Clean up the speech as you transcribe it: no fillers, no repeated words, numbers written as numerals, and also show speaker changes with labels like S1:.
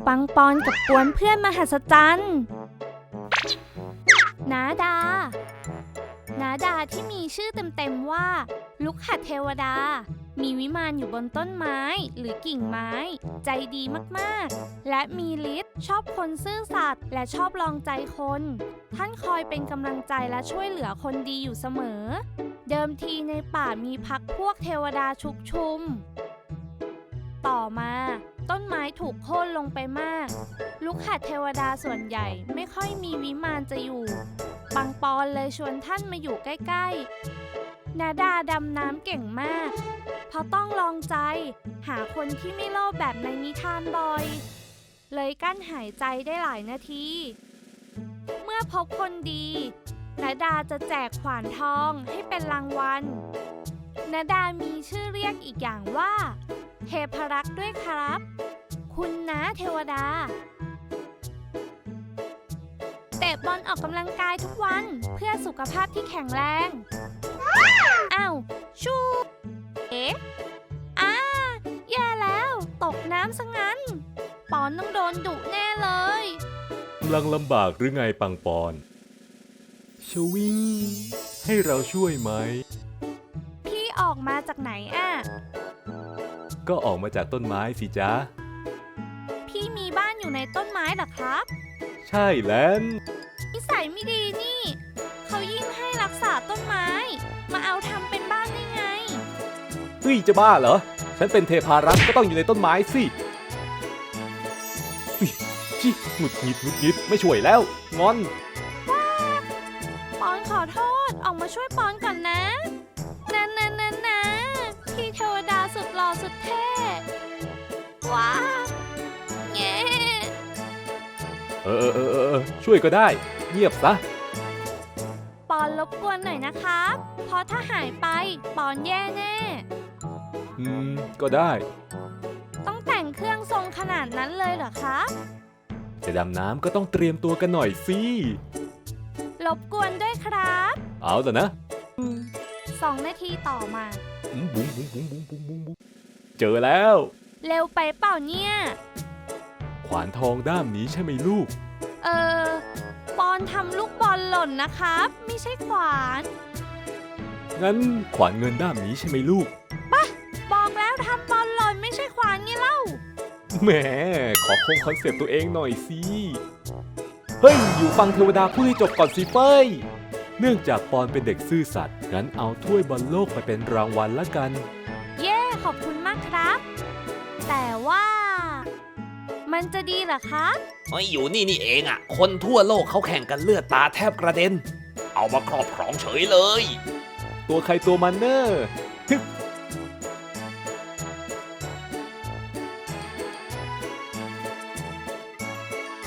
S1: ปังปอนกับกวนเพื่อนมหัศจรรย์นาดาที่มีชื่อเต็มๆว่าลุกหัดเทวดามีวิมานอยู่บนต้นไม้หรือกิ่งไม้ใจดีมากๆและมีฤทธิ์ชอบคนซื่อสัตย์และชอบลองใจคนท่านคอยเป็นกำลังใจและช่วยเหลือคนดีอยู่เสมอเดิมทีในป่ามีพรรคพวกเทวดาชุกชุมต่อมาต้นไม้ถูกโค่นลงไปมากลูกหัดเทวดาส่วนใหญ่ไม่ค่อยมีวิมานจะอยู่ปังปอนเลยชวนท่านมาอยู่ใกล้ๆนาดาดำน้ำเก่งมากเพราะต้องลองใจหาคนที่ไม่โลภแบบในนิทานบ่อยเลยกั้นหายใจได้หลายนาทีเมื่อพบคนดีนาดาจะแจกขวานทองให้เป็นรางวัลนาดามีชื่อเรียกอีกอย่างว่าเทพรักษ์ด้วยครับคุณนะเทวดาเตะบอลออกกำลังกายทุกวันเพื่อสุขภาพที่แข็งแรงอ้าวชูแย่แล้วตกน้ำซะงั้นปอนต้องโดนดุแน่เลย
S2: กำลังลำบากหรือไงปังปอนชวิงให้เราช่วยไหม
S1: พี่ออกมาจากไหน
S2: ก็ออกมาจากต้นไม้สิจ๊ะ
S1: พี่มีบ้านอยู่ในต้นไม้เหรอครับ
S2: ใช่แล้ว
S1: นิสัยไม่ดีนี่เขายิ่งให้รักษาต้นไม้มาเอาทำเป็นบ้านได้ไง
S2: เฮ้ยจะบ้าเหรอฉันเป็นเทพารักษ์ก็ต้องอยู่ในต้นไม้สิจิหงุดหงิดไม่ช่วยแล้วงอน
S1: ปอนขอโทษออกมาช่วยปอนก่อนนะพี่เทวดาสุดหล่อสุดเท่ว้าแง่
S2: ช่วยก็ได้เงียบซะ
S1: ปอนรบกวนหน่อยนะครับเพราะถ้าหายไปปอนแย่แน่
S2: ก็ได้
S1: ต้องแต่งเครื่องทรงขนาดนั้นเลยเหรอครับ
S2: จะดำน้ำก็ต้องเตรียมตัวกันหน่อยสิ
S1: รบกวนด้วยครับ
S2: เอาแต่นะ
S1: 2 นาทีต่อมา
S2: บุ้งเจอแล้ว
S1: เร็วไปเปล่าเนี่ย
S2: ขวานทองด้ามนี้ใช่ไหมลูก
S1: ปอนทำลูกบอลหล่นนะครับไม่ใช่ขวาน
S2: งั้นขวานเงินด้ามนี้ใช่ไหมลูก
S1: บอกแล้วทำบอลหล่นไม่ใช่ขวานไงเล่า
S2: แหมขอคงคอนเซปต์ตัวเองหน่อยสิเฮ้ยอยู่ฟังเทวดาพูดให้จบก่อนสิเฟ้ยเนื่องจากปอนเป็นเด็กซื่อสัตย์งั้นเอาถ้วยบอลโลกไปเป็นรางวัลละกัน
S1: เย้ขอบคุณมากครับแต่ว่ามันจะดีเหรอคะ
S3: อยู่นี่เองคนทั่วโลกเขาแข่งกันเลือดตาแทบกระเด็นเอามาครอบครองเฉยเลย
S2: ตัวใครตัวมันเนอร์